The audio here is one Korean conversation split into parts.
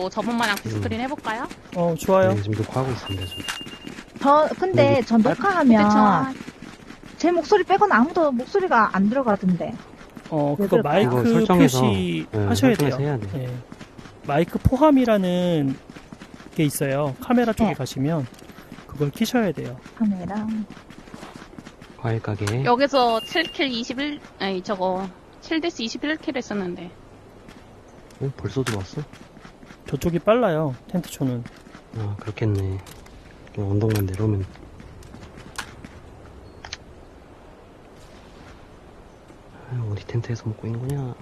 또 저번 마냥 디스크린 해볼까요? 좋아요. 네, 지금 녹화하고 있습니다. 지금. 근데 저 녹화하면 그쵸. 제 목소리 빼고는 아무도 목소리가 안 들어가던데. 그거 그럴까요? 마이크 이거 설정해서, 표시 네, 하셔야 설정해서 돼요. 해야 돼. 네. 마이크 포함이라는 게 있어요. 카메라 쪽에 네. 가시면 그걸 키셔야 돼요. 카메라. 과일 가게. 여기서 7킬 21, 아니, 저거, 7데스 21킬 했었는데. 벌써 들어왔어? 저쪽이 빨라요. 텐트초는. 아, 그렇겠네. 그냥 언덕만 내려오면. 아유, 어디 텐트에서 먹고 있는 거냐?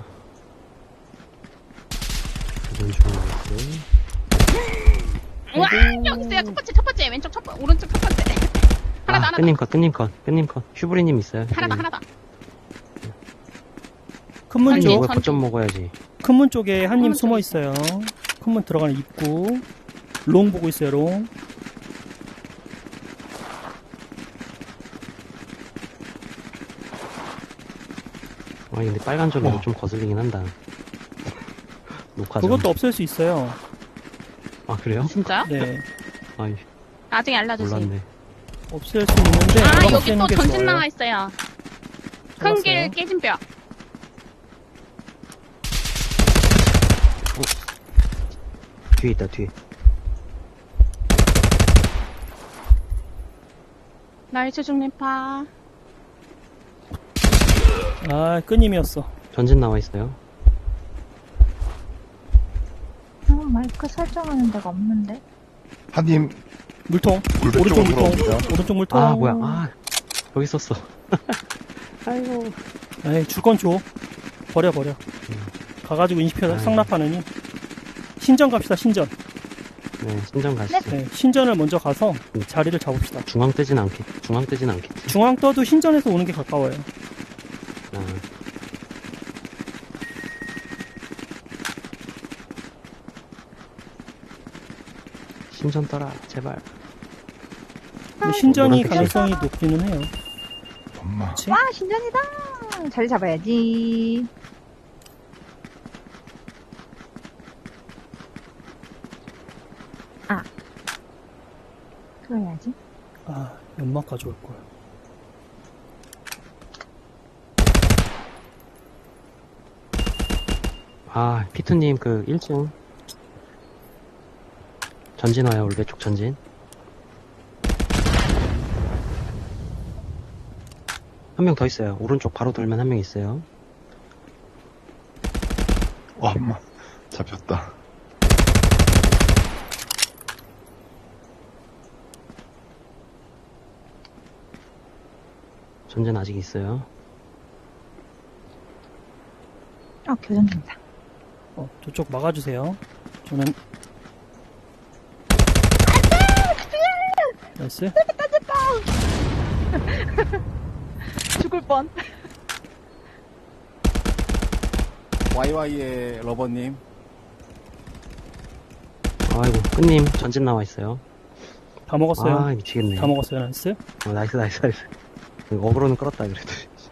이건 좋은 거였어. 우와! 여기 있어요. 첫 번째, 왼쪽 오른쪽 첫 번째. 하나 더. 끈님 컷. 휴브리님 있어요. 하나 더. 큰 문 아니, 쪽, 왜 선주. 거점 먹어야지. 큰 문 쪽에 한 님 문 숨어 쪽에 있어요. 큰 문 들어가는 입구. 롱 보고 있어요, 롱. 아니, 근데 빨간 점이 좀 거슬리긴 한다. 녹화 좀. 그것도 없앨 수 있어요. 아, 그래요? 진짜요? 네. 아이, 나중에 알려주세요. 몰랐네. 없앨 수 있는데. 아, 그건 여기 없애는 또 게 전진 좋아요. 나와 있어요. 큰 길 좋았어요. 깨진 뼈. 뒤에 있다, 뒤에. 나이스 중립파. 아, 끈님이었어. 전진 나와 있어요. 마이크 설정하는 데가 없는데. 한님 물통. 물배 오른쪽 쪽으로 물통. 돌아옵니다. 오른쪽 물통. 아, 뭐야. 아, 여기 있었어. 아이고. 에이, 줄 건 줘. 버려. 가가지고 인식표 아유. 상납하느니. 신전 갑시다, 신전. 네, 신전 가시죠. 네, 신전을 먼저 가서 자리를 잡읍시다. 중앙 뜨진 않겠지. 중앙 떠도 신전에서 오는 게 가까워요. 아, 신전 떠라, 제발. 근데 신전이 노란색 가능성이 높기는 해요. 엄마. 그치? 와, 신전이다! 자리 잡아야지. 아. 그거 해야지. 아, 연막 가져올 걸. 아, 피투님 그 1층. 전진 와요, 올배 쪽 전진. 한 명 더 있어요. 오른쪽 바로 돌면 한 명 있어요. 엄마. 잡혔다. 전진 아직 있어요. 교전 중이다. 저쪽 막아주세요. 저는. 나이스. 죽을 뻔. YY의 러버님. 아이고, 끈님 전진 나와 있어요. 다 먹었어요. 아, 미치겠네. 다 먹었어요, 나이스. 나이스. 어그로는 끌었다, 그래도.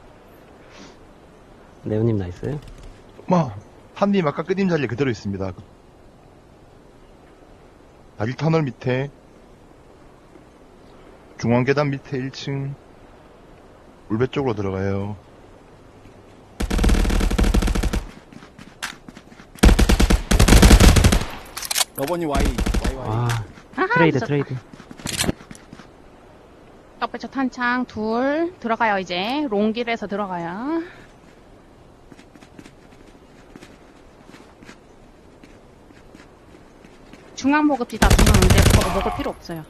네오님 나이스. 엄마. 한님 아까 끄님 자리에 그대로 있습니다. 다리 터널 밑에 중앙 계단 밑에 1층 울배 쪽으로 들어가요. 러버님 YY. 아, 아하, 트레이드. 옆에 저 탄창 둘 들어가요 이제. 롱길에서 들어가요. 중앙 먹읍시다. 중앙 이제 저거 먹을 필요 없어요.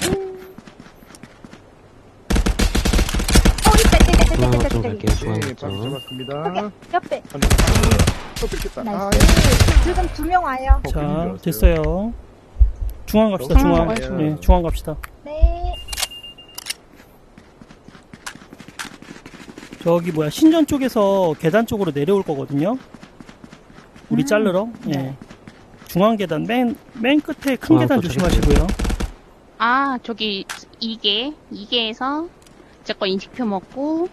중앙 거점 갈게요, 중앙 네, 바로 거점. 잡았습니다. 옆에. 또 뺏겼다. 나이스. 지금 2명 와요. 자, 됐어요. 중앙 갑시다, 중앙 중앙. 먹어야죠. 네, 중앙 갑시다. 네. 저기 뭐야, 신전 쪽에서 계단 쪽으로 내려올 거거든요. 우리 자르러. 예. 중앙 계단, 맨 끝에 큰 중앙 계단 또 조심하시고요. 아 저기 2개에서 제 거 인식표 먹고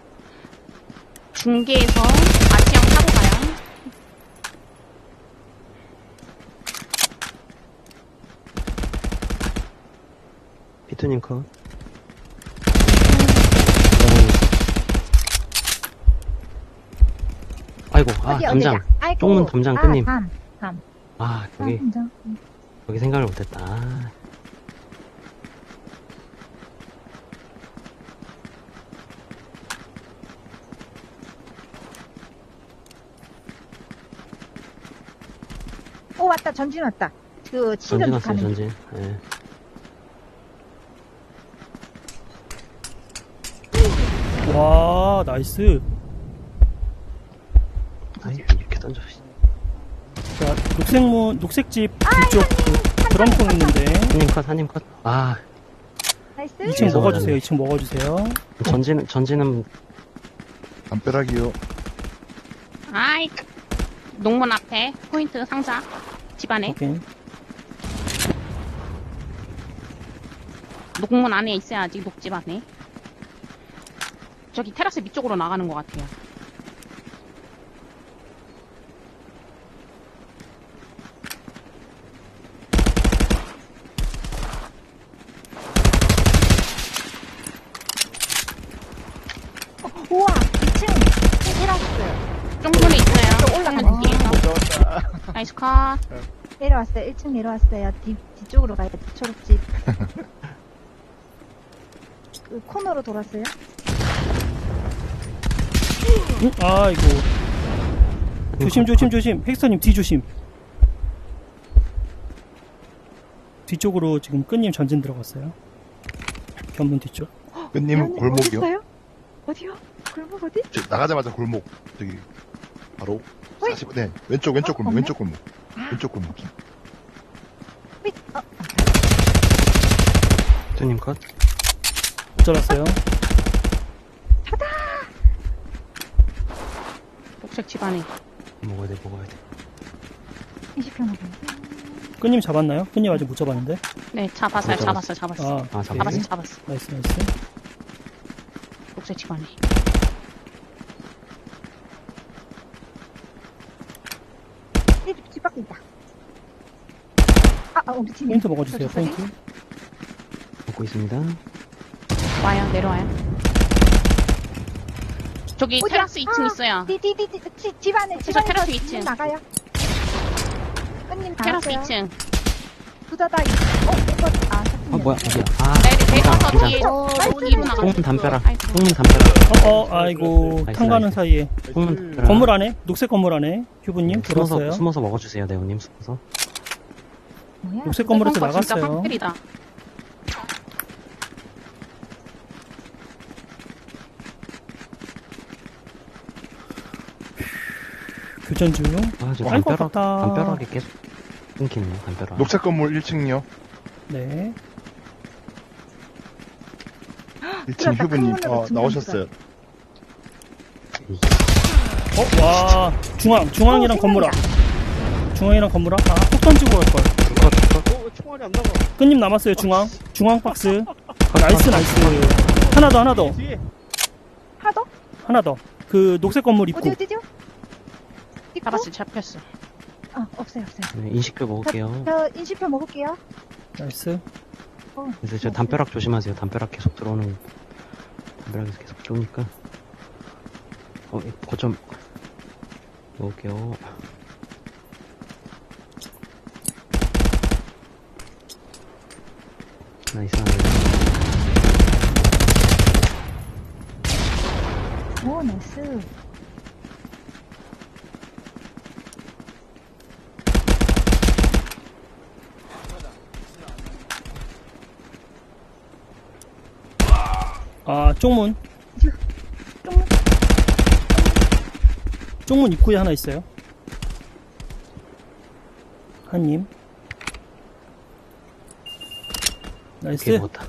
중계에서 아시형 타고 가요. 피트님 컷. 아이고, 어디, 담장. 어디야? 아이고. 쪽문 담장 끝님. 담. 여기, 담장. 여기 생각을 못했다. 아. 오, 왔다. 전진 왔다. 그, 전진 치면 왔어요, 가는. 전진. 예. 와, 나이스. 아이, 이렇게 던져. 자, 녹색집 뒤쪽 그 드럼통 있는데. 한님 컷. 아, 나이스. 2층 이층 먹어주세요, 2층 먹어주세요. 전진은, 담벼락이요. 아이, 농문 앞에 포인트 상자 집안에 오케이. 녹문 안에 있어야지. 녹집 안에. 저기 테라스 밑쪽으로 나가는 것 같아요. 우와, 2층. 테라스. 쪽문에 있어요. 올라가네. 쪽문 뒤에서. 나이스 컷. 내려왔어요. 1층 내려왔어요. 뒤쪽으로 가요. 초록집. 그 코너로 돌았어요. 응? 아이고. 조심. 헥스터님 뒤 조심. 뒤쪽으로 지금 끈님 전진 들어갔어요. 견문 뒤쪽. 끝님 골목이요. 어딨어요? 어디요? 골목 어디? 나가자마자 골목. 저기 바로 40. 네, 왼쪽 골목. 없네? 왼쪽 골목. 왼쪽 골목. 밑, 피트님 컷. 잘랐어요. 녹색 집안에. 먹어야 돼. 20편 먹어. 끈님 잡았나요? 끈님 아직 못 잡았는데. 네, 잡았어요. 못 잡았어. 아, 오케이. 잡았어. 나이스. 녹색 집안에. 집 밖에 있다. 우리 팀. 포인트 먹어주세요, 저쪽까지? 포인트. 먹고 있습니다. 와요. 내려와요. 저기 어디야? 테라스 2층 있어요. 집 안에, 진짜 테라스 2층. 나가요. 끝님 테라스 나갔어요. 2층. 두다다, 이거, 뭐야, 어디야. 내려와서 담장. 뒤에 나이스. 뒤로 나가. 쪽문 담벼락. 아이고. 쪽문 담벼락. 아이고. 나이스, 탄 가는 나이스. 사이에. 쪽문 담벼락. 건물 안에, 녹색 건물 안에, 휴부님 들어왔어요. 숨어서 먹어주세요, 네오님. 숨어서. 뭐야? 녹색 건물에서 펑커 진짜 나갔어요. 확실이다. 교전 중. 저 아이고, 아깝다. 담벼락이 계속 끊기네요, 담벼락. 녹색 건물 1층이요. 네. 1층 들어갔다. 휴부님 큰 문으로 나오셨어요. 와, 중앙이랑 건물 앞. 중앙이랑 건물 앞. 폭 던지고 갈걸. 총알이 안 나가. 끈님 남았어요, 중앙 박스. 나이스. 하나 더. 하나 더? 그 녹색 건물 입구. 어디요? 입구? 잡혔어. 없어요. 네, 인식표 먹을게요. 저 인식표 먹을게요. 나이스. 그래서 저 담벼락 조심하세요. 담벼락 계속 들어오는, 담벼락에서 계속 들어오니까. 거점 먹을게요. 나이스. 오, 나이스. 쪽문. 쪽문 입구에 하나 있어요. 한님. 나이스. 오케이, 먹었다.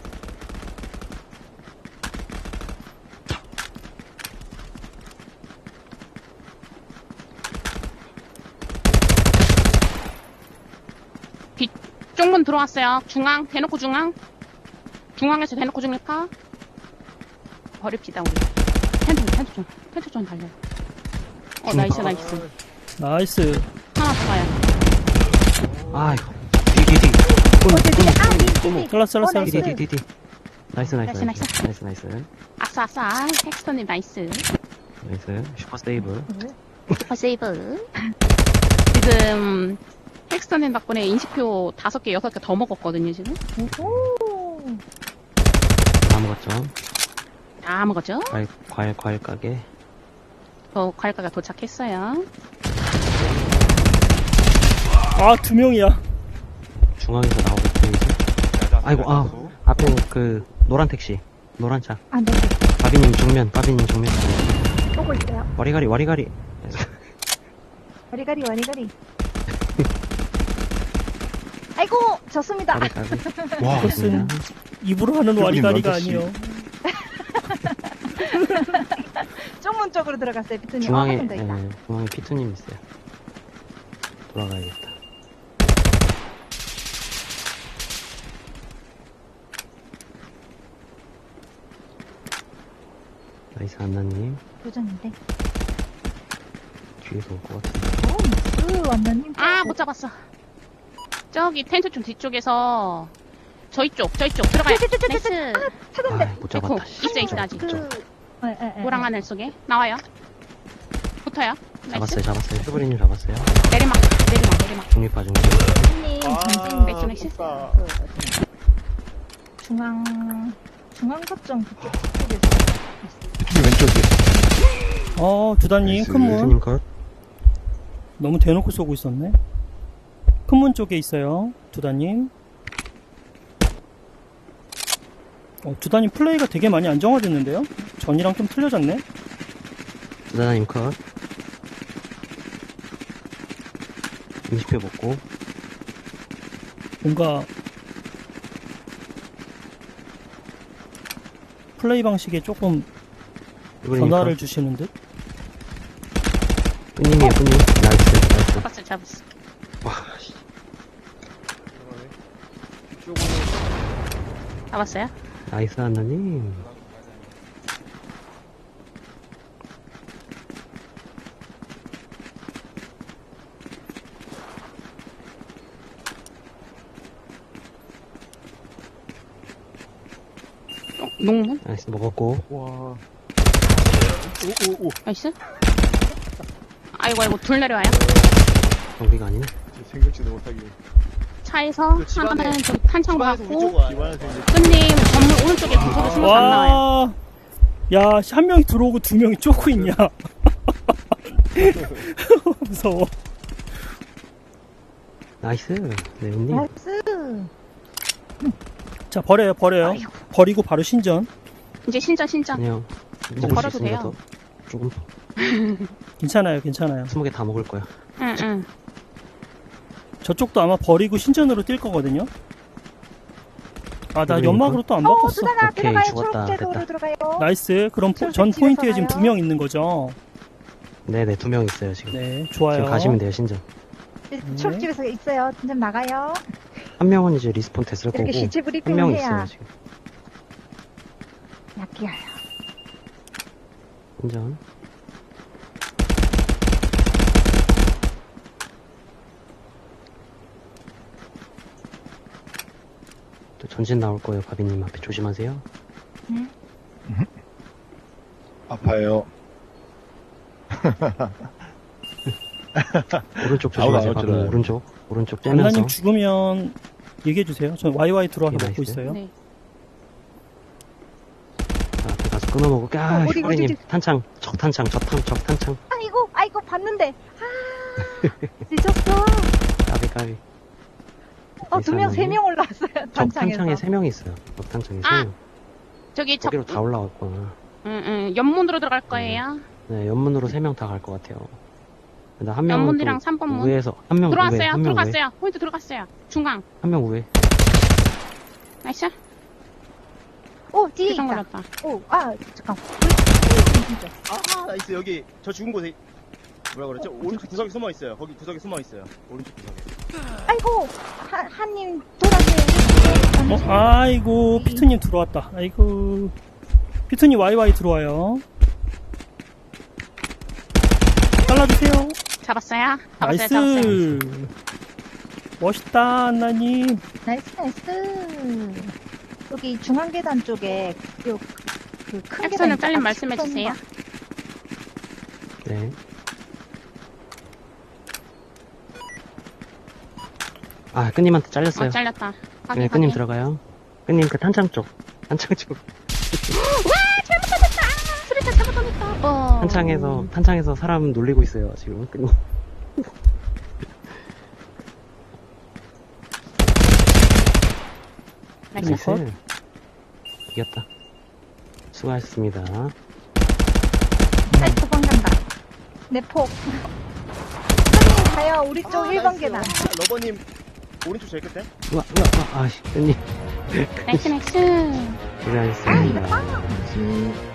쪽문 들어왔어요. 중앙, 대놓고 중앙. 중앙에서 대놓고 중립파. 버립시다, 우리. 텐트 좀 달려. 나이스. 나이스. 하나 더 가요. 아이고. 뒤. 잘랐어. 뒤. 나이스, 나이스, 나이스, 나이스. 나이스, 나이스. 아싸, 아싸. 텍스터님 나이스. 나이스. 슈퍼 세이브. 슈퍼 세이브. 지금, 텍스터님 덕분에 인식표 5개, 6개 더 먹었거든요, 지금. 오. 다 먹었죠? 다 먹었죠? 과일 가게. 저 과일가가 도착했어요. 아, 2명이야. 중앙에서 나오겠죠, 이제. 아이고, 앞에 그, 노란 택시. 노란 차. 아, 네. 바비님 정면. 보고 있어요. 와리가리. 와리가리. 아이고, 졌습니다. 와리가리. 와, 그것은 입으로 하는 와리가리가 완전 아니요. 쪽문 쪽으로 들어갔어요, 비트님. 중앙에, 한번더 있다. 중앙에 피투님 있어요. 돌아가야겠다. 나이스, 안나님. 도전인데. 뒤에서 올 것 같은데. 완전님. 아, 못 잡았어. 저기 텐트 좀 뒤쪽에서 저희 쪽 들어가요. 나이스. 찾았는데. 못 잡았다. 에코, 있어, 아직. 노랑 네. 하늘 속에 나와요. 붙어요. 나이스. 잡았어요. 슈브리님 잡았어요. 내리막. 중립파 중립. 비트님, 나이스, 전진. 나이스. 중앙 거점 그쪽에서. 피트님 왼쪽에. 두단님, 나이스. 큰 문. 피투님 컷. 너무 대놓고 쏘고 있었네. 큰 문 쪽에 있어요. 두단님. 두단님 플레이가 되게 많이 안정화됐는데요? 전이랑 좀 틀려졌네? 나나님 컷. 20회 먹고. 뭔가 플레이 방식에 조금 슈브리님 변화를 컷. 주시는 듯? 뿌님이에요, 뿌님. 나이스. 잡았어. 와, 씨. 이쪽으로. 잡았어요. 나이스, 안나님. 농문. 나이스, 먹었고. 와. 나이스. 아이고, 둘 내려와요. 경비가 아니네. 생각지도 못하게. 차에서 그 집안에- 하나는 좀 탄창 집안에서 받고, 위쪽으로 와요. 끝님 전문 오른쪽에 구석에 숨어서 안 나와요. 와, 야, 한 명이 들어오고 2명이 쫓고 있냐? 무서워. 나이스. 네오님. 나이스. 자, 버려요. 아이고. 버리고 바로 신전. 이제 신전. 그냥 이제 먹을 수 걸어도 있으니까 돼요. 더 조금 괜찮아요. 20개 다 먹을 거야. 응. 저쪽도 아마 버리고 신전으로 뛸 거거든요. 나 그러니까. 연막으로 또 안 바꿨어. 두단아, 오케이, 들어가요. 죽었다. 초록색으로 됐다. 들어가요. 나이스. 그럼 저쪽 전 집에서 포인트에 지금 가요? 2명 있는 거죠. 네네, 2명 있어요, 지금. 네, 좋아요. 지금 가시면 돼요, 신전. 초록집에서 있어요. 좀 나가요. 한 명은 이제 리스폰 됐을 거고. 이렇게 시체 한 브리핑을 명 해야 있어요, 지금. 약해요. 신전. 또 전진 나올 거예요, 바비님 앞에 조심하세요. 아파요. 오른쪽 아우, 조심하세요, 아우, 바비님. 들어요. 오른쪽 째면서. 안나님 죽으면 얘기해주세요. 전 YY 들어와서 네, 먹고 나이스. 있어요. 네. 자, 앞에 가서 끊어먹을게. 어디, 슈브리님, 어디. 탄창, 적탄창. 아이고, 봤는데. 늦었어. 까비. 2명, 3명 올라왔어요. 적탄창에 단창에서. 3명 있어요. 적탄창에 아, 3명. 저기 거기로 다 올라왔구나. 연문으로 들어갈 거예요. 네, 연문으로 3명 다 갈 것 같아요. 근데 한 명은 연문이랑 또 3번 문. 우회에서 한 명 우회, 들어왔어요. 한 명 우회, 들어갔어요. 포인트 들어갔어요. 중앙. 한 명 우회. 나이스. 뒤에 표정 있다. 걸렸다. 잠깐. 아, 나이스. 여기 저 죽은 곳에 뭐라 그랬죠? 오른쪽 구석에 숨어 있어요. 거기 구석에 숨어 있어요. 오른쪽 구석에. 아이고, 한님 돌아세요. 아이고, 피투님 들어왔다. 아이고. 피투님 YY 들어와요. 잘라주세요. 잡았어요. 나이스. 멋있다, 안나님. 나이스. 여기 중앙 계단 쪽에 그큰 엑스는 잘림 말씀해주세요. 네. 아, 끈님한테 잘렸어요. 잘렸다. 네, 확인, 끈님 확인. 들어가요. 끈님 그 탄창 쪽. 탄창 쪽. 수리타 잘못 던졌다. 탄창에서 사람 놀리고 있어요, 지금. 끈님. 나이스. 나이스. 이겼다. 수고하셨습니다. 아이, 도망간다. 내 폭. 선생님, 가요. 우리 쪽 1번 나이스. 계단. 러버님 오른쪽 제일 끝에. 우와, 아씨, 끈님. 나이스, 나이스. 고생하셨습니다. 아, 다시.